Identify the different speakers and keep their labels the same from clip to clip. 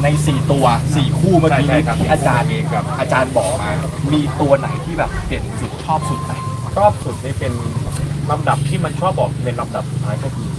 Speaker 1: ใน4ตัว4คู่เมื่อกี้นี้ที่อาจารย์บอกมามีตัวไหนที่แบบเด่นสุดชอบสุดไหม
Speaker 2: ชอบสุดนี่เป็นลำดับที่มันชอบออกเป็นลำดับสุดท้ายก็คือ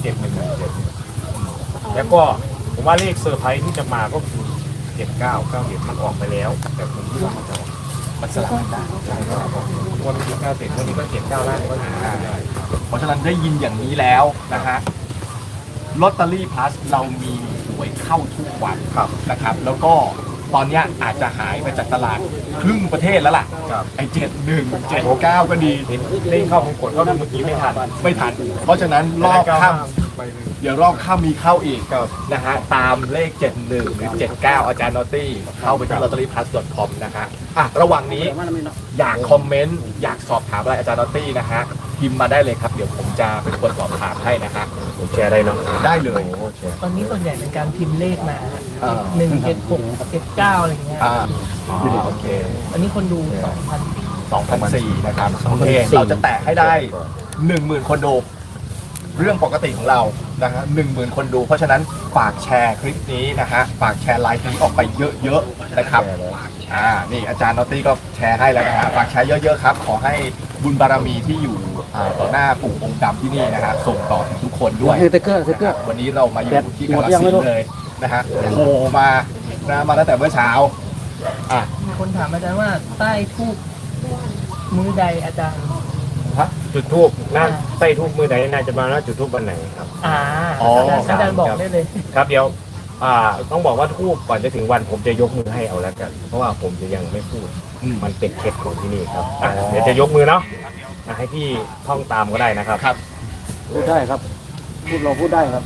Speaker 2: 7-1-7แล้วก็ผมว่าเลขเซอร์ไพรส์ที่จะมาก็คือ79-97มันออกไปแล้วแต่ผมคิดว่ามันจะออก
Speaker 1: มันสลับกันได้
Speaker 2: ใช่ครับวันนี้97วันนี้ก็79ได้ก็1-5ได้
Speaker 1: เพราะฉะนั้นได้ยินอย่างนี้แล้วนะฮะลอตเตอรี่พลัสเรามีหวยเข้าทุกวันนะครับ แล้วก็ตอนเนี้ยอาจจะหายไปจากตลาดครึ่งประเทศแล้วล่ะ
Speaker 2: ครับ
Speaker 1: ไอ้71 79ก็ดี
Speaker 2: เห็นเลขเข้าของกดก็เมื่อกี้ไม่ทัน
Speaker 1: เพราะฉะนั้นรอบค่ำ
Speaker 2: ไปหนึ่ง
Speaker 1: เดี๋ยวรอบค่ำมีเข้าอีก
Speaker 2: ครับ
Speaker 1: นะฮะตามเลข 71 หรือ 79 อาจารย์นอตตี้เข้าไปที่ lotteryplus.com นะฮะระหว่างนี้อยากคอมเมนต์อยากสอบถามอะไรอาจารย์นอตตี้นะฮะพิมพ์มาได้เลยครับ เดี๋ยวผมจะเป็นคนสอบถามให้นะฮะ
Speaker 2: ผมแชร์ได้เนาะ
Speaker 1: ได้เลย
Speaker 3: ตอนนี้ส่วนใหญ่เป็นการพิมพ์เลขมา
Speaker 1: อ่า
Speaker 3: 176 79อะไรอย่างเงี้ย
Speaker 1: โอเค
Speaker 3: อันนี้คนดู
Speaker 1: 2,400 นะครับโอเคเราจะแตะให้ได้ 10,000 คนดูเรื่องปกติของเรานะฮะ10,000 คนดู เพราะฉะนั้นฝากแชร์คลิปนี้นะฮะฝากแชร์ไลฟ์นี้ออกไปเยอะๆนะครับนี่อาจารย์นอตตี้ก็แชร์ให้แล้วนะฮะฝากแชร์เยอะๆครับขอให้บุญบารมีที่อยู่ต่อหน้าปู่องค์ดำที่นี่นะฮะส่งต่อถึงทุกคนด้วย
Speaker 4: สติ๊กเกอร์
Speaker 1: วันนี้เรามาอยู่ที่กาฬสินธุ์เลยนะฮะโผล่มามาตั้งแต่เมื่อเช้า
Speaker 3: มีคนถามอาจารย์ว่าใต้ทูบมือใดอาจารย์
Speaker 2: จุดทูบน่าใส่ทูบมือไหนน่าจะมาแล้วจุดทูบวันไหนครับ
Speaker 3: อาจารย์บอกได้เลย
Speaker 2: ครับเดี๋ยวต้องบอกว่าทูบก่อนจะถึงวันผมจะยกมือให้เอาแล้วกัน เพราะว่าผมจะยังไม่พูดมันเป็นเคล็ดของที่นี่ครับเดี๋ยวจะยกมือเนาะให้พี่ท่องตามก็ได้นะครับ
Speaker 4: พูดได้ครับเราพูดได้ครับ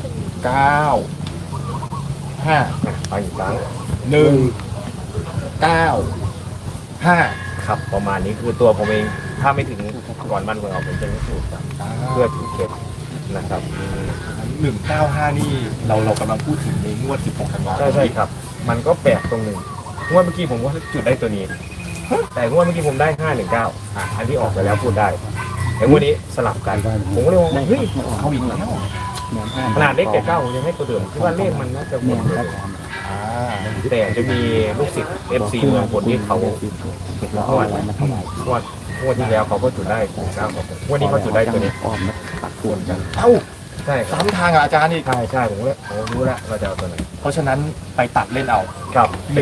Speaker 1: 9 5
Speaker 2: ไปอีกครั้ง
Speaker 1: 1 9 5
Speaker 2: ครับประมาณนี้คือตัวผมเองถ้าไม่ถึงก่อนวันหวยออกผมจะไม่พูดครับเพื่อถือเคล็ดนะครับ
Speaker 1: 195 นี่เรากำลังพูดถึงในงวด 16 ธันวาคม
Speaker 2: ใช่ครับ มันก็แปลกตรงหนึ่งงวดเมื่อกี้ผมก็จุดได้ตัวนี้ แต่งวดเมื่อกี้ผมได้519อันที่ออกไปแล้วพูดได้แต่งวดนี้สลับกันผมก็เลยว่าเฮ้ย
Speaker 1: เขาอีกแล้ว
Speaker 2: ขนาดเลข79ผมยังให้ตัวเดิมคิดว่าเลขมันน่าจะหมดเลยแต่จะมีลูกศิษย์ FC เมืองคนที่เขางวดที่แล้วเขาก็จุดได้งวดนี้เขาจุดได้ตัวนี้
Speaker 4: ตัดส่วนกัน
Speaker 1: เอ้า
Speaker 2: ใช่ครับ
Speaker 1: ซ้ำทางกับอาจารย์อีก
Speaker 2: ใช่ผมเลยรู้แล้วเราจะเอาตัวไหน
Speaker 1: เพราะฉะนั้นไปตัดเล่นเอา
Speaker 2: ครับ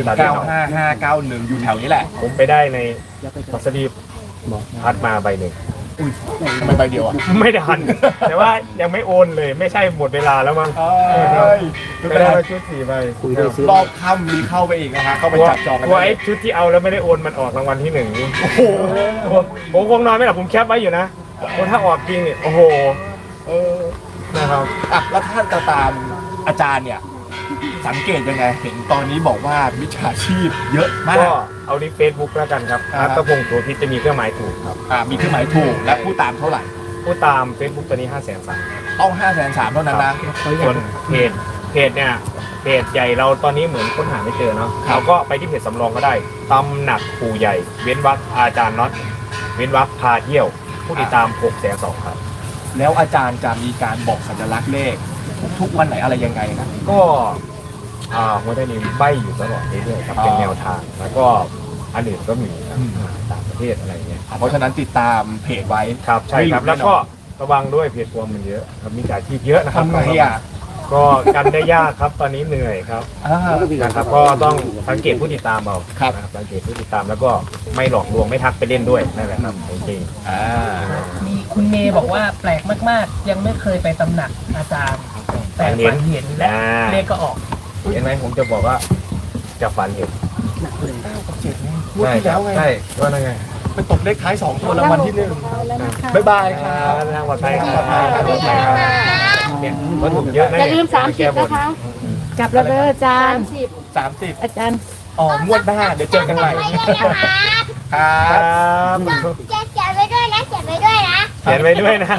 Speaker 1: 195591 อยู่แถวนี้แหละ
Speaker 2: ผมไปได้ในมัสลีพัดมาใบหนึ่ง
Speaker 1: อุ้ยทำไมใบเดียวอ่ะ
Speaker 2: ไม่ทัน แต่ว่ายังไม่โอนเลยไม่ใช่หมดเวลาแล้วมั้ง ไม่ได้ชุด4ใบ
Speaker 4: คุยได้ซื้อ
Speaker 1: รอบค่ำมีเข้าไปอีกนะฮะเข้าไปจับจองกัน
Speaker 2: ว่าไอ้ชุดที่เอาแล้วไม่ได้โอนมันออกรางวัลที่1นี่
Speaker 1: โอ้โห
Speaker 2: ผมคงนอนไม่หลับผมแคปไว้อยู่นะถ้าออกจริงเนี่ยโอ้โหนะครับ
Speaker 1: แล้วท่านจะตามอาจารย์เนี่ยสังเกตยังไงเห็นตอนนี้บอกว่ามิจฉาชีพเยอะมาก
Speaker 2: ก็เอาที่ Facebook แล้วกันครับ
Speaker 1: อ่า
Speaker 2: อัตพงศ์โสภิตจะมีเครื่องหมายถูกครับ
Speaker 1: มีเครื่องหมายถูกและผู้ตามเท่าไหร่
Speaker 2: ผู้ตาม Facebook ตัวนี้500,003
Speaker 1: ต้อง 530,000 เท่านั้นนะ
Speaker 2: ส่วนเพจเนี่ยเพจใหญ่เราตอนนี้เหมือนค้นหาไม่เจอเนาะ
Speaker 1: ครับ
Speaker 2: เราก็ไปที่เพจสำรองก็ได้ตำหนักปู่ใหญ่ เว้นวรรคอาจารย์น็อตเว้นวรรคพาเที่ยวผู้ติดตาม602,000ครับ
Speaker 1: แล้วอาจารย์จะมีการบอกสัญลักษณ์เลขทุกวันไหนอะไรยังไงนะ
Speaker 2: ก็หัวใจนี้ใบอยู่ตลอดเรื่อยๆครับเป็นแนวทางแล้วก็อันอื่นก็มีครับต่างประเทศอะไรเงี้ย
Speaker 1: เพราะฉะนั้นติดตามเพจไว้
Speaker 2: ครับใช่ครับ
Speaker 1: ไม่หลุด
Speaker 2: แล้วก็ระวังด้วยเพจปลอมมันเยอะครับมีจ่ายที่เยอะนะครับ
Speaker 1: ทำไงอ่ะ
Speaker 2: ก็กันได้ยากครับตอนนี้เหนื่อยครับ นะครับก็ต้องสังเกตผู้ติดตามเอา
Speaker 1: ครับ
Speaker 2: นะสังเกตผู้ติดตามแล้วก็ไม่หลอกลวงไม่ทักไปเล่นด้วยนั่นแหละครับจริง
Speaker 3: มีคุณเมย์บอกว่าแปลกมากๆ ยังไม่เคยไปตำหนักอาจารย์ แต่ฝันเห็นและเลขก็ออก
Speaker 2: ๆเห็นไหมผมจะบอกว่าจะฝันเห็น
Speaker 1: พูดที่แล้วไง
Speaker 2: ใช่ว่าไง
Speaker 1: ไปตกเลขท้าย2ตัวรางวัลที่1บ๊ายบายครับ
Speaker 2: ทางปลอดภัยครับปลอดภัยครับปลอดภัยครับเนี่ยวัตถุเยอะนะ
Speaker 5: อย่าลืม30นะคะ กลับแล้วเด้ออาจารย์
Speaker 1: 30
Speaker 5: อาจารย์
Speaker 1: งวดหน้าเดี๋ยวเจอกันใหม่ครับ
Speaker 5: จะเขียนไว้ด้วยนะเขียนไว้ด้วยนะ
Speaker 2: เขียนไว้ด้วยนะ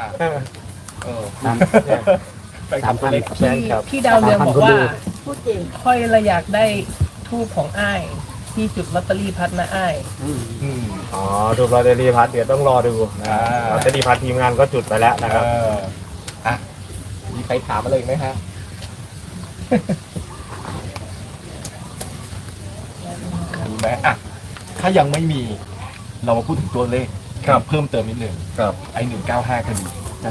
Speaker 1: ไปทำตัวเล็ก
Speaker 3: พี่ดาวเรืองบอกว่า
Speaker 5: พูดจริง
Speaker 3: ค่อยเราอยากได้ทูบของอ้ายที่จุดลอตเตอรี่พัดนะอ้าย
Speaker 2: อ๋อดูลอตเตอรี่พัดเดี๋ยวต้องรอดูลอตเตอรี่พัดทีมงานก็จุดไปแล้วนะครับ
Speaker 1: มีใครถามอะไรอีกไหมฮะไหมอ่ะถ้ายังไม่มีเรามาพูดถึงตัวเลขเพิ่มเติมนิดหนึ่ง
Speaker 2: ครับ
Speaker 1: ไอ้195ก็ดีจะ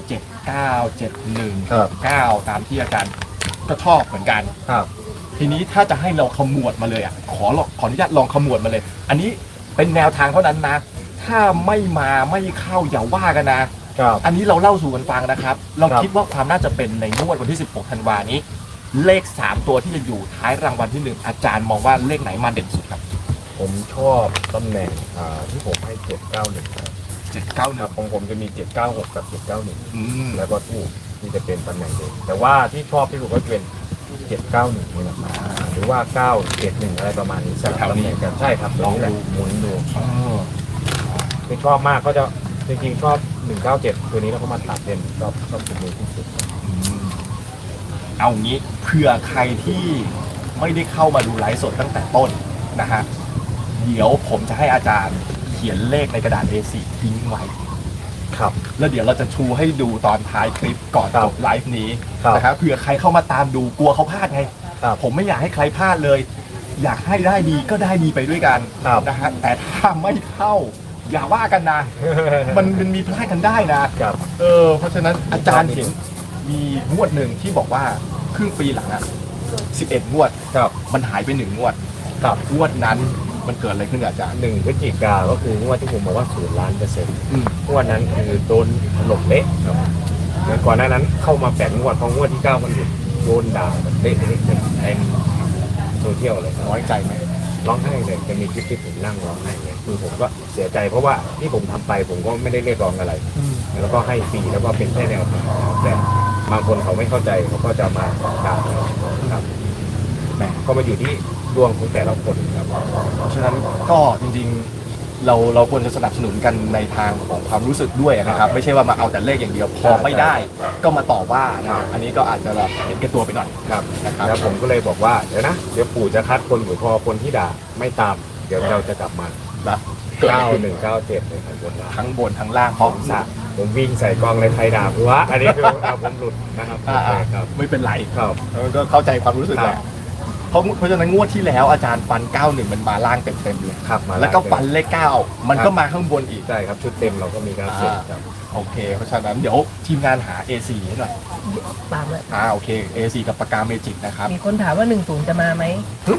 Speaker 1: 79 71
Speaker 2: ครับ
Speaker 1: 9ตามที่อาจารย์ก็ชอบเหมือนกัน
Speaker 2: ครับ
Speaker 1: ทีนี้ถ้าจะให้เราขมวดมาเลยอ่ะขออนุญาตลองขมวดมาเลย อันนี้เป็นแนวทางเท่านั้นนะ ถ้าไม่มาไม่เข้าอย่าว่ากันนะ
Speaker 2: ครับ
Speaker 1: อันนี้เราเล่าสู่กันฟังนะครับ เรา
Speaker 2: ครับ
Speaker 1: คิดว่าความน่าจะเป็นในงวดวันที่ 16 ธันวานี้ เลข 3 ตัวที่จะอยู่ท้ายรางวัลที่ 1 อาจารย์มองว่าเลขไหนมาเด่นสุดครับ
Speaker 2: ผมชอบตำแหน่งที่ผมให้791ครับ
Speaker 1: 791
Speaker 2: ของผมจะมี796กับ791
Speaker 1: อืม
Speaker 2: แล้วก็ทูบที่จะเป็นตำแหน่งเด่นแต่ว่าที่ชอบที่สุดก็จะเป็น791นี่แหละหรือว่า971อะไรประมาณนี้สลับตำแหน่งกันใช่ครับลองดูหมุนดู
Speaker 1: เออ
Speaker 2: ที่ชอบมากก็จะจริงๆชอบ197ตัวนี้แล้วก็มาตัดเด่นชอบตัวนี้ที่สุด
Speaker 1: อืมเอางี้เผื่อใครที่ไม่ได้เข้ามาดูไลฟ์สดตั้งแต่ต้นนะฮะเดี๋ยวผมจะให้อาจารย์เขียนเลขในกระดาษ A4 ทิ้งไว้
Speaker 2: ครับ
Speaker 1: แล้วเดี๋ยวเราจะชูให้ดูตอนท้ายคลิปก่อน
Speaker 2: ครับ
Speaker 1: จบไลฟ์นี้
Speaker 2: ครับ
Speaker 1: นะครับเผื่อใครเข้ามาตามดูกลัวเขาพลาดไง
Speaker 2: ครับ
Speaker 1: ผมไม่อยากให้ใครพลาดเลย อยากให้ได้ดีก็ได้ดีไปด้วยกัน
Speaker 2: ครับ
Speaker 1: นะฮะแต่ถ้าไม่เข้า อย่าว่ากันนะ มันมีพลาดกันได้นะ
Speaker 2: ครับ
Speaker 1: เพราะฉะนั้นอาจารย์เห็นมีงวดหนึ่งที่บอกว่าครึ่งปีหลังอะ11 งวด
Speaker 2: ครับ
Speaker 1: มันหายไป1 งวด
Speaker 2: ครับ
Speaker 1: งวดนั้นมันเกิดอะไรขึ้นกับอาจารย์
Speaker 2: 1 พฤศจิกาก็คืองวดที่ผมบอกว่า0,000,000%
Speaker 1: อืม
Speaker 2: งวดนั้นคือโดนถล่มเละครับเหมือนก่อนหน้านั้นเข้ามา8 งวดพองวดที่ 9 มันหยุดโดนด่าแบบเละเต็มโซเชียลเลยครับ
Speaker 1: น้อยใจไหม
Speaker 2: ร้องไห้เลยจะมีคลิปที่ผมนั่งร้องไห้เลยคือผมก็เสียใจเพราะว่าที่ผมทำไปผมก็ไม่ได้เรียกร้องอะไร แล้วก็ให้ฟรีแล้วก็เป็นแค่แนวทางแต่บางคนเขาไม่เข้าใจเขาก็จะมาด่าเราครับแหมก็มาอยู่ที่ดวงของแต่ละคนครับ
Speaker 1: เพราะฉะนั้นก็จริงๆเราควรจะสนับสนุนกันในทางของความรู้สึกด้วยนะครับ ไม่ใช่ว่ามาเอาแต่เลขอย่างเดียวพอไม่ได้ ก็มาต่อว่านะครับอันนี้ก็อาจจะแบบเห็นแก่ตัวไปหน่อย
Speaker 2: ครับ
Speaker 1: นะครับ
Speaker 2: แล้วผมก็เลยบอกว่าเดี๋ยวปู่จะคัดคนอยู่พอคนที่ด่าไม่ตาม เดี๋ยวเราจะกลับมา
Speaker 1: นะเกิดอะไรขึ้น
Speaker 2: 9197เลยครับบนล่าง
Speaker 1: ทั้งบนทั้งล่างพร้อมสะ
Speaker 2: ผมวิ่งใส่กองเลยไทยด่าหัวอันนี้คือผมหลุดนะครับ ครับ
Speaker 1: ไม่เป็นไร
Speaker 2: ครับ
Speaker 1: ก็เข้าใจความรู้สึกแหละเพราะฉะนั้นงวดที่แล้วอาจารย์ฟัน 91 มันมาล่างเต็มๆเลย
Speaker 2: ครับมา
Speaker 1: แล้วก็ฟันเลข 9 มันก็มาข้างบนอีก
Speaker 2: ใช่ครับชุดเต็มเราก็มีการเสร็จครับ
Speaker 1: โอเค เพราะฉะนั้นเดี๋ยวทีมงานหา A4 ให้หน่อย
Speaker 3: ตามเลย
Speaker 1: โอเค A4 กับปากกาเมจิกนะครับ
Speaker 3: มีคนถามว่า10จะมาไหม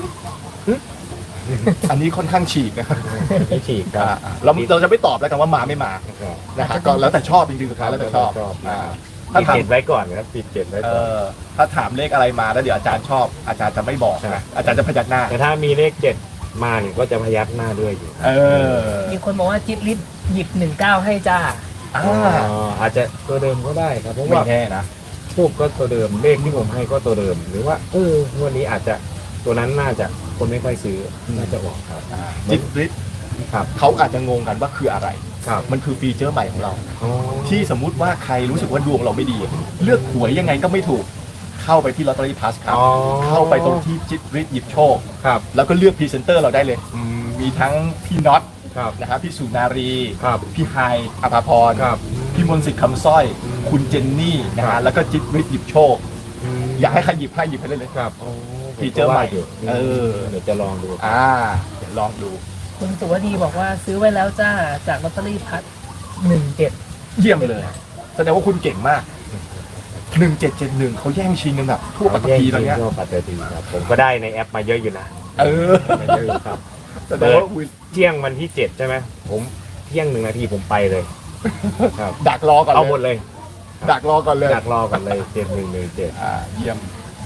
Speaker 1: อันนี้ค่อนข้างฉีกนะครับ
Speaker 2: ไม่ฉีกครับ
Speaker 1: เราจะไม่ตอบแล้วกันว่ามาไม่มานะฮะก็แล้วแต่ชอบจริงๆสุดท้ายแล้วแต่ชอบ
Speaker 2: ปิ
Speaker 1: ถ้า
Speaker 2: ด
Speaker 1: ถาม
Speaker 2: เจ็ดไว้ก่อนนะครับปิดเจ็ดไว้ก่อน
Speaker 1: ถ้าถามเลขอะไรมาแล้วเดี๋ยวอาจารย์ชอบ อาจารย์จะไม่บอก
Speaker 2: ใช่
Speaker 1: นะอาจารย์จะพยักหน้า
Speaker 2: แต่ถ้ามีเลขเจ็ดมาเนี่ยก็จะพยักหน้าด้วยอยู่
Speaker 3: มีคนบอกว่าจิตลิศหยิบ19ให้จ้า
Speaker 1: อ่า
Speaker 2: อาจจะตัวเดิมก็ได้ครับเพราะ
Speaker 1: ไม่
Speaker 2: ว่า
Speaker 1: แน่นะ
Speaker 2: ทูบก็ตัวเดิมเลขที่ผมให้ก็ตัวเดิม หรือว่างวดนี้อาจจะตัวนั้นน่าจะคนไม่ค่อยซื้อน่าจะออกครับ
Speaker 1: จิตริศ
Speaker 2: ครับ
Speaker 1: เขาอาจจะงงกันว่าคืออะไร
Speaker 2: ครับ
Speaker 1: มันคือฟีเจอร์ใหม่ของเรา
Speaker 2: อ๋อ
Speaker 1: ที่สมมุติว่าใครรู้สึกว่าดวงเราไม่ดี เลือกหวยยังไงก็ไม่ถูก เข้าไปที่ลอตเตอรี่พลัสครับ
Speaker 2: อ๋อ
Speaker 1: เข้าไปตรงที่จิตริศหยิบโชค
Speaker 2: ครับ
Speaker 1: แล้วก็เลือกพรีเซนเตอร์เราได้เลยมีทั้งพี่น็อต
Speaker 2: ครับ
Speaker 1: นะครับพี่สุนารี
Speaker 2: ครับ
Speaker 1: พี่ไฮอภาพร
Speaker 2: ครับ
Speaker 1: พี่มนต์สิทธิ์คำสร้อย คุณเจนนี่นะ
Speaker 2: ครั
Speaker 1: ฮะ
Speaker 2: บ
Speaker 1: แล้วก็จิตริศหยิบโชค อยากให้ใครหยิบให้หยิบให้เลย
Speaker 2: ครับ
Speaker 1: ฟีเจอร์ใหม่
Speaker 2: เดี๋ยวจะลองดู
Speaker 1: เดี๋ยวลองดู
Speaker 3: คุณสุวดีบอกว่าซื้อไว้แล้วจ้าจากลอตเตอรี่พัด17
Speaker 1: เยี่ยมเลย แสดงว่าคุณเก่งมาก 1771เขาแย่งชิงกันแบบทั่วปัตตภีตอนเนี้ย
Speaker 2: ทั่วปัตตภีครับผมก็ได้ในแอปมาเยอะอยู่นะ มาเยอะอยู่ครับ
Speaker 1: แสดงว่าคุณ
Speaker 2: เที่ยงวันที่7ใช่ไหมผมเที่ยง1 นาทีผมไปเลยครับ
Speaker 1: ดักรอก่อน
Speaker 2: เอาหมด
Speaker 1: เลย
Speaker 2: เลย
Speaker 1: ดักรอก่อนเลย
Speaker 2: ดักรอกันเลย7117
Speaker 1: เยี่ยม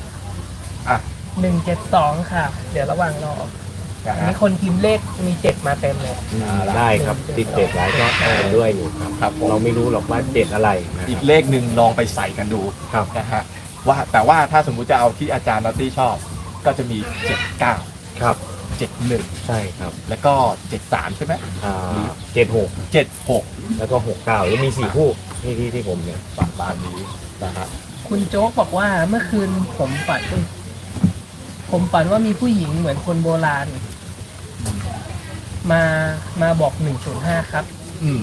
Speaker 3: 172 ค่ะ เดี๋ยวระหว่างรอ
Speaker 1: นะ
Speaker 3: อัน
Speaker 1: ฮะ
Speaker 3: นี้คนพิมพ์เลขมี 7 มาเต็มเลย
Speaker 2: ได้ครับติด7หลายก็ได้ด้วยอยู่ครับ
Speaker 1: ครับผม
Speaker 2: เราไม่รู้หรอกว่า7อะไรนะ
Speaker 1: อีกเลขหนึ่งลองไปใส่กันดู
Speaker 2: ครับ
Speaker 1: นะฮะแต่ว่าถ้าสมมุติจะเอาที่อาจารย์นอตตี้ชอบ ก็จะมี 79
Speaker 2: ครับ
Speaker 1: 71
Speaker 2: ใช่ครับ
Speaker 1: แล้วก็ 73 ใช่ไหม
Speaker 2: 76
Speaker 1: 76
Speaker 2: แล้วก็69แล้วมี4คู่ที่ผมเนี่ย
Speaker 1: ประมาณนี้นะฮะ
Speaker 3: คุณโจ๊กบอกว่าเมื่อคืนผมฝันว่ามีผู้หญิงเหมือนคนโบราณ มาบอก105ครับ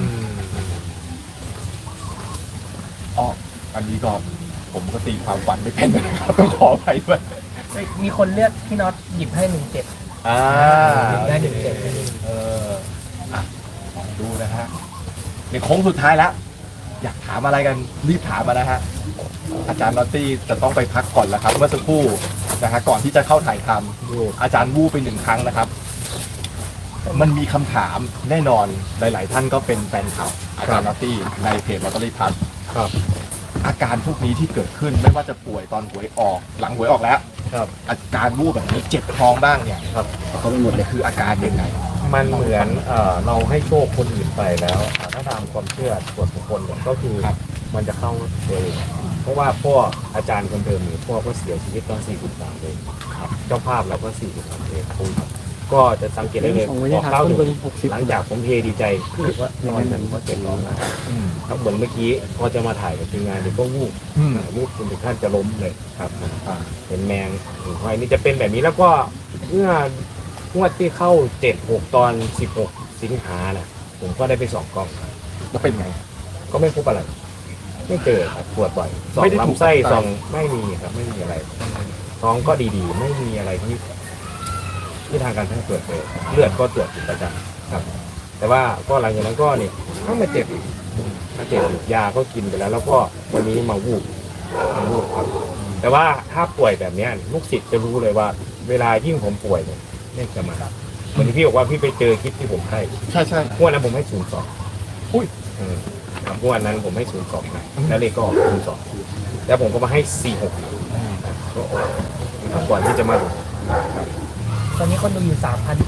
Speaker 1: อันนี้ก็ผมก็ตีความฝันไม่เป็นนะครับต้องขอไปด้วย
Speaker 3: มีคนเลือกพี่น็อตหยิบให้17
Speaker 1: อ่า
Speaker 3: ได้17
Speaker 1: เอออ่ะลองดูนะฮะในโค้งสุดท้ายแล้ว อยากถามอะไรกันรีบถามมานะฮะอาจารย์นอตตี้จะต้องไปพักก่อนแล้วครับเมื่อสักครู่นะฮะก่อนที่จะเข้าถ่ายทำอาจารย์วูบไป1 ครั้งนะครับ มันมีคำถามแน่นอนหลาย ๆ ท่านก็เป็นแฟนข่าวอาจารย์นอตตี้ในเพจลอตเตอรี่พัท
Speaker 2: ครับ
Speaker 1: อาการพวกนี้ที่เกิดขึ้นไม่ว่าจะป่วยตอนหวยออกหลังหวยออกแล้ว
Speaker 2: ครับ
Speaker 1: อาการวูบแบบนี้เจ็บท้องบ้างเนี่ย
Speaker 2: ครับ
Speaker 4: เขาไปหมดเลย
Speaker 1: คืออาการยังไง
Speaker 2: มันเหมือนเราให้โชคคนอื่นไปแล้วถ้าตามความเชื่อส่วนบุคคลเนี่ยก็คือ
Speaker 1: ครับ
Speaker 2: มันจะเข้าตัวเองเพราะว่าพ่ออาจารย์คนเดิมเนี่ยพ่อก็เสียชีวิตตอน43เลยครับเจ้าภาพเราก็43เลยก็จะสังเกตได้เลยออกเล่าอยู่หลังจากผมเทดีใจว่าทำไมมันก็เจ็บร้องครับเหมือนเมื่อกี้พอจะมาถ่ายกับทีมงานเดี๋ยวก็วูบ วูบจนถึงขั้นจะล้มเลยครับเห็นแมงหิ่งห้อยนี่จะเป็นแบบนี้แล้วก็เมื่องวดที่เข้า7-6ตอน16 สิงหาน่ะผมก็ได้ไป2 กล้อง
Speaker 1: แล้วเป็นไง
Speaker 2: ก็ไม่พบอะไร ไม่เจอครับปวดบ่อยสอ
Speaker 1: ไม่
Speaker 2: ง
Speaker 1: ได้ถูก
Speaker 2: ลำไส้
Speaker 1: ตัดไต
Speaker 2: สองไม่มีครับไม่มีอะไรท้องก็ดีๆ ไม่มีอะไรที่ทางการแพทย์ตรวจเลยเลือดก็ตรวจเป็นประจำครับ แต่ว่าก็หลังจากนั้นก็นี่ก็มาเจ็บอีกยาก็กินไปแล้ว แล้วก็วันนี้มาวูบครับ แต่ว่าถ้าป่วยแบบเนี้ยลูกศิษย์จะรู้เลยว่า เวลายิ่งผมป่วยเนี่ยเลขจะมาเหมือนที่พี่บอกว่าพี่ไปเจอคลิปที่ผมให้
Speaker 1: ใช่ใช่
Speaker 2: งวดนั้นผมให้02อุ้ยครับงวดนั้นผมให้02นะแล้วเลขก็ออก02แล้วผมก็มาให้46ก็ออกก่อนที่จะมาดู
Speaker 3: ตอนนี้คนดูอยู่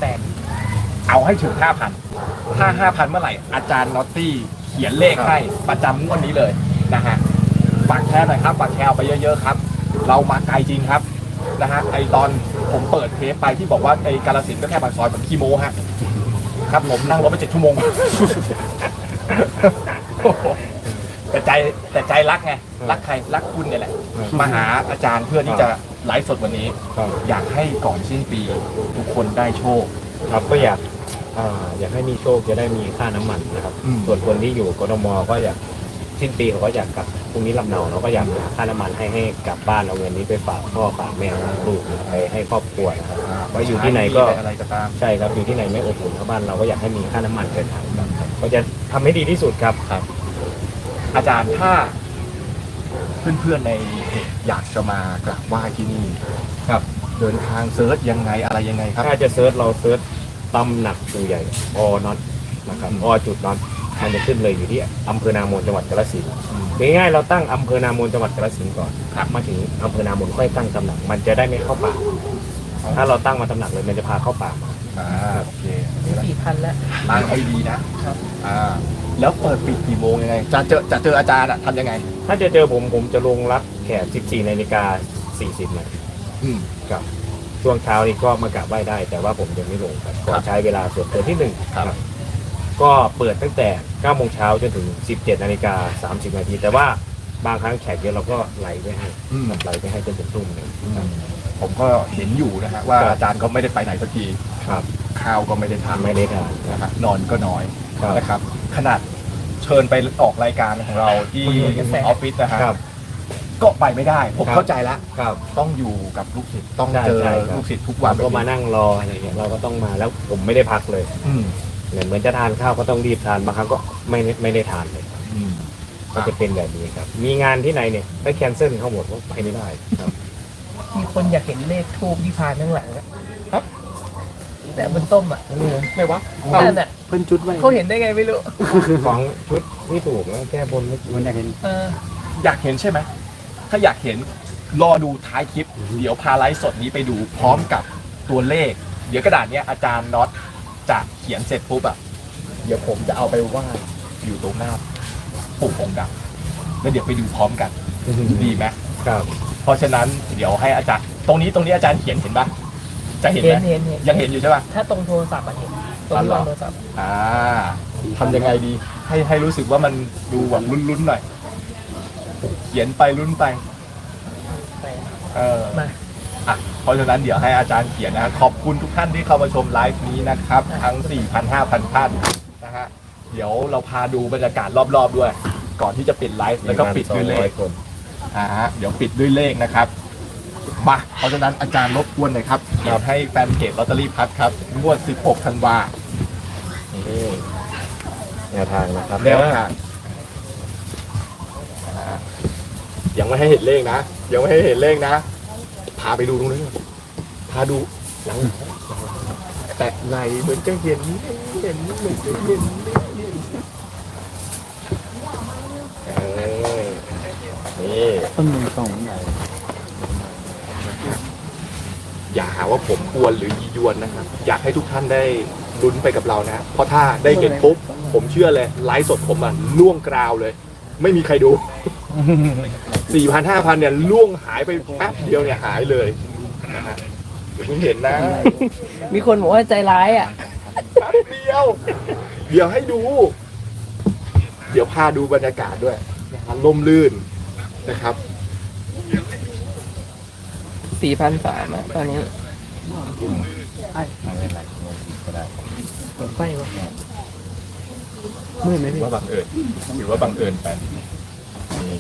Speaker 3: 3,800
Speaker 1: เอาให้ถึง 5,000 ถ้า 5,000 เมื่อไหร่อาจารย์นอตตี้เขียนเลขให้ประจำงวดนี้เลยนะฮะฝากแชร์หน่อยครับฝากแชร์เอาไปเยอะๆครับ เรามาไกลจริงครับนะฮะไอตอนผมเปิดเทปไปที่บอกว่าไอกาฬสินธุ์ก็แค่ปากซอยผมขี้โม้ฮะครับผมนั่งรถไป7 ชั่วโมง แต่ใจรักไงรักใครรักคุณเนี่ยแหละมาหาอาจารย์เพื่อที่จะไลฟ์สดวันนี้
Speaker 2: ครับ
Speaker 1: อยากให้ก่อนสิ้นปีทุกคนได้โชค
Speaker 2: ครับก็อยากให้มีโชคจะได้มีค่าน้ำมันนะครับ
Speaker 1: อืม
Speaker 2: ส่วนคนที่อยู่กทมก็อยากสิ้นปีเขาก็อยากกลับพรุ่งนี้ลำเนาเราก็อยากหาค่าน้ำมันให้กลับบ้านเอาเงินนี้ไปฝากพ่อฝากแม่ลูกไปให้ครอบครัวนะครับว่าอยู่ที่ไหนก็
Speaker 1: อะไรก็ตาม
Speaker 2: ใช่ครับอยู่ที่ไหนไม่อบอุ่นเท่าบ้านเราก็อยากให้มีค่าน้ำมันเดินทางครับก็จะทำให้ดีที่สุดครับ
Speaker 1: อาจารย์ถ้าเพื่อนๆในเพจอยากจะมากราบไหว้ที่นี่
Speaker 2: ครับ
Speaker 1: เดินทางเซิร์ชยังไงอะไรยังไงครับ
Speaker 2: ถ้าจะเซิร์ชเราเซิร์ชตำหนักตัวใหญ่อน็อตนะครับอจุดน็อตมันจะขึ้นเลยอยู่ที่อำเภอนาโมนจังหวัดกาฬสินธุ์ง่ายๆเราตั้งอำเภอนาโมนจังหวัดกาฬสินธุ์ก่อนครับมาถึงอำเภอนาโมนค่อยตั้งตำหนักมันจะได้ไม่เข้าป่าถ้าเราตั้งมาตำหนักเลยมันจะพาเข้าป่ามา
Speaker 1: โอเค
Speaker 3: 4,000 แล้ว
Speaker 1: ตั้งให้ดีนะครับ แล้วเปิดปิดกี่โมงยังไงจะเจออาจารย์อะทำยังไง
Speaker 2: ถ้าจะเจอผมจะลงรับแขก 14:40 นาที
Speaker 1: อืม
Speaker 2: ครับช่วงเช้านี้ก็มากราบไหว้ได้ แต่ว่าผมยังไม่ลงครับขอใช้เวลาส่วนตัวที่หนึ่ง
Speaker 1: ครับ
Speaker 2: ก็เปิดตั้งแต่ 9 โมงเช้าจนถึง 17:30 นาทีแต่ว่าบางครั้งแขกเยอะเราก็ไหลไปให้
Speaker 1: อืม
Speaker 2: ไหลไปให้จนถึงทุ่มหนึ่งครับ
Speaker 1: ผมก็เห็นอยู่นะฮะว่า
Speaker 2: ครับ
Speaker 1: อาจารย์ก็ไม่ได้ไปไหนสักที
Speaker 2: ครับ
Speaker 1: ข้าวก็ไม่ได้ทาน
Speaker 2: ไม่ได้ทาน
Speaker 1: นะฮะนอนก็น้อย
Speaker 2: ครับ
Speaker 1: นะครับ ขนาดเชิญไปออกรายการของเราที่
Speaker 3: กระแส
Speaker 1: ออฟฟิศนะฮะ
Speaker 2: ครับ
Speaker 1: ก็ไปไม่ได้ ผม
Speaker 2: ครับ
Speaker 1: เข้าใจแล้ว
Speaker 2: ครับ
Speaker 1: ต้องอยู่กับลูกศิษย์ต้อง
Speaker 2: ใช่
Speaker 1: เจอ
Speaker 2: ใช่ครับ
Speaker 1: ลูกศิษย์ทุกวัน
Speaker 2: ก็มานั่งรออะไรอย่างเงี้ยเราก็ต้องมาแล้วผมไม่ได้พักเลย
Speaker 1: อืม
Speaker 2: เหมือนจะทานข้าวก็ต้องรีบทานบางครั้งก็ไม่ได้ทานเลย
Speaker 1: อืม
Speaker 2: ก็จะเป็นแบบนี้ครับ มีงานที่ไหนเนี่ยไปแคนเซิลเขาหมดว่าไปไม่ได้ครับ
Speaker 3: มีคนอยากเห็นเลขทูบที่พานข้างหลังอะครับ แต่บนต้มอ่ะ
Speaker 1: ไม่วะ
Speaker 3: นั่นอ่ะ
Speaker 4: เพิ่นจุดไว้
Speaker 3: เขาเห็นได้ไงไม่รู้
Speaker 2: ของชุดที่ถูกแล้วแก้บนไม่
Speaker 4: มันได้เห็น
Speaker 1: อยากเห็นใช่ไหมถ้าอยากเห็นรอดูท้ายคลิป เดี๋ยวพาไลฟ์สดนี้ไปดูพร้อมกับตัวเลข เดี๋ยวกระดาษเนี้ยอาจารย์น็อตจะเขียนเสร็จปุ๊บอะเดี๋ยวผมจะเอาไปวาดอยู่ตรงหน้าปู่องค์ดำแล้วเดี๋ยวไปดูพร้อมกัน ดีไหม
Speaker 2: ครับ
Speaker 1: เพราะฉะนั้นเดี๋ยวให้อาจารย์ตรงนี้อาจารย์เขียนเห็นปะจะเห็น
Speaker 3: เห็
Speaker 1: ไห
Speaker 3: น
Speaker 1: ม
Speaker 3: เห็นเห็น
Speaker 1: ยังเห็นอยู่ใช่ปะ
Speaker 3: ถ้าตรงโทรศัพท์อะเห็นตรงที่วางโทรศัพท์
Speaker 1: ทำยังไงดีให้รู้สึกว่ามันดูแบบลุ้นๆหน่อยเขียนไปลุ้นไป
Speaker 3: ไป
Speaker 1: มาเพราะฉะนั้นเดี๋ยวให้อาจารย์เขียนนะขอบคุณทุกท่านที่เข้ามาชมไลฟ์นี้นะครับ ทั้ง 4,000 5,000 ท่านนะฮะเดี๋ยวเราพาดูบรรยากาศรอบๆด้วย ก่อนที่จะปิดไลฟ์แล้วก็ปิดด้วยเลข
Speaker 2: คน
Speaker 1: เดี๋ยวปิดด้วยเลขนะครับมาเพราะฉะนั้นอาจารย์รบกวนหน่อยครับเดี๋ยวให้แฟนเพจลอตเตอรี่พัดครับงวด 16 ธันวา
Speaker 2: นี่แนวทางนะครับ
Speaker 1: แนวทางยังไม่ให้เห็นเลขนะ ยังไม่ให้เห็นเลขนะ พาไปดูตรงนี้นพาดูหลังแตะไหลเหมือนจะเห็นเหมือนจะเห็นนี่
Speaker 4: ต้นหนึ่งสองไหน
Speaker 1: อย่าหาว่าผมกวนหรือยียวนนะครับ อยากให้ทุกท่านได้ลุ้นไปกับเรานะ เพราะถ้าได้เห็นปุ๊บผมเชื่อเลยไลฟ์สดผมอ่ะล่วงกราวเลย ไม่มีใครดู 4,000 5,000 เนี่ยล่วงหายไปแป๊บเดียวเนี่ยหายเลยนะฮะเดี๋ยวเพิ่งเห็นนะ
Speaker 3: มีคนบอกว่าใจร้ายอ่ะ
Speaker 1: แป๊บเดียว เดี๋ยวให้ดู เดี๋ยวพาดูบรรยากาศด้วยนะครับล่มลื่นนะครับ
Speaker 3: 4,300อ่ะตอนนี้ไฟวะมืดไหม
Speaker 1: ถื
Speaker 3: พี่
Speaker 1: อว่าบังเอิญถือว่าบังเอิญไปนี่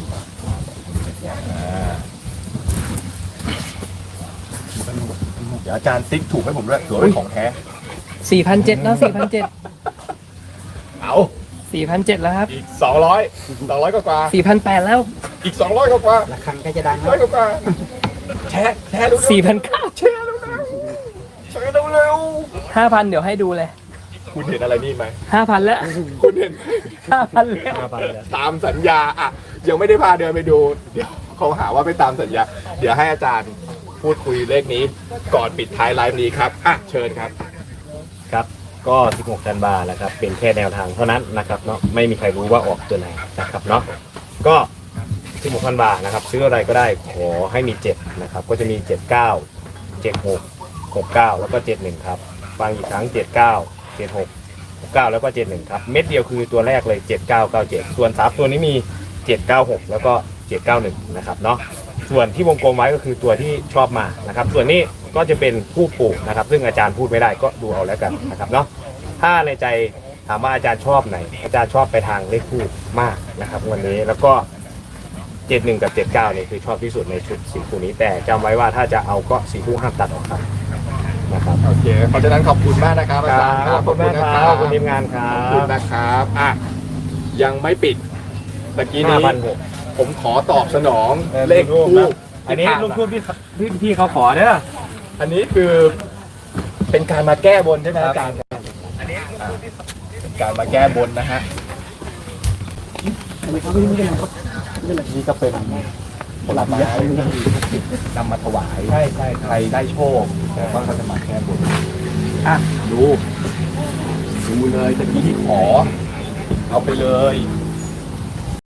Speaker 1: เดี๋ยวอาจารย์ติ๊กถูกให้ผมด้วยถือว่าเป็นของแท้
Speaker 3: 4,700แล้ว4,700
Speaker 1: เอา
Speaker 3: 4,700แล้วครับ
Speaker 1: อีก200กว่า
Speaker 3: 4,800แล้ว
Speaker 1: อีก200กว่า
Speaker 4: ระฆังใกล้จะดัง
Speaker 1: ร้อยกว่าแชร์เร็วๆ
Speaker 3: 4,900
Speaker 1: แชร์เร็วๆแชร์เร็ว
Speaker 3: 5,000เดี๋ยวให้ดูเลย
Speaker 1: ๆคุณเห็นอะไรนี่ไหม
Speaker 3: 5,000แล้ว
Speaker 1: คุณเห็น
Speaker 3: 5,000แล้ว
Speaker 1: ตามสัญญาอ่ะยังไม่ได้พาเดินไปดู เดี๋ยวเขาหาว่าไปตามสัญญา เดี๋ยวให้อาจารย์พูดคุยเลขนี้ ก่อนปิดท้ายไลฟ์นี้ครับอ่ะเชิญครับ
Speaker 2: ครับก็ 16 ธันวาแล้วครับเป็นแค่แนวทางเท่านั้นนะครับเนาะไม่มีใครรู้ว่าออกตัวไหนนะครับเนาะก็ 16 ธันวานะครับซื้ออะไรก็ได้ขอให้มี7นะครับก็จะมี 79 76 69 แล้วก็ 71 ครับฟังอีกครั้ง 79 76 69 แล้วก็ 71 ครับเม็ดเดียวคือตัวแรกเลย 7997 ส่วน3ตัวนี้มี 796 แล้วก็ 791 นะครับเนาะส่วนที่วงกลมไว้ก็คือตัวที่ชอบมานะครับส่วนนี้ก็จะเป็นผู้ปลูกนะครับซึ่งอาจารย์พูดไม่ได้ก็ดูเอาแล้วกันนะครับเนาะถ้าในใจถามว่าอาจารย์ชอบไหนอาจารย์ชอบไปทางเลขคู่มากนะครับวันนี้แล้วก็ 71 กับ 79เนี่ยคือชอบที่สุดในชุดสีคู่นี้แต่จำไว้ว่าถ้าจะเอาก็สีคู่ห้ามตัดออกครับนะครับ
Speaker 1: โอเค เพราะฉะนั้นขอบคุณมากนะครับอาจารย์
Speaker 2: ขอบคุณมากครับขอบคุณทีมงานครั
Speaker 1: ขอบคุณ
Speaker 2: บ
Speaker 1: นะครับอ่ะยังไม่ปิดตะกี้นี้
Speaker 2: 5,600
Speaker 1: ผมขอตอบสนองเลขคู่
Speaker 2: อันนี้ลูกคู่พี่เขาขอเด้อ
Speaker 1: อันนี้คือเป็นการมาแก้บนใช่ไหมอาจารย์เป็นการมาแก้บนนะฮะนี่ก็เป็นผลไม้นำมาถวายใช่ใครได้โชคก็เขาจะมาแก้บนอ่ะดูเลยตะกี้ที่ขอ เอาไปเลย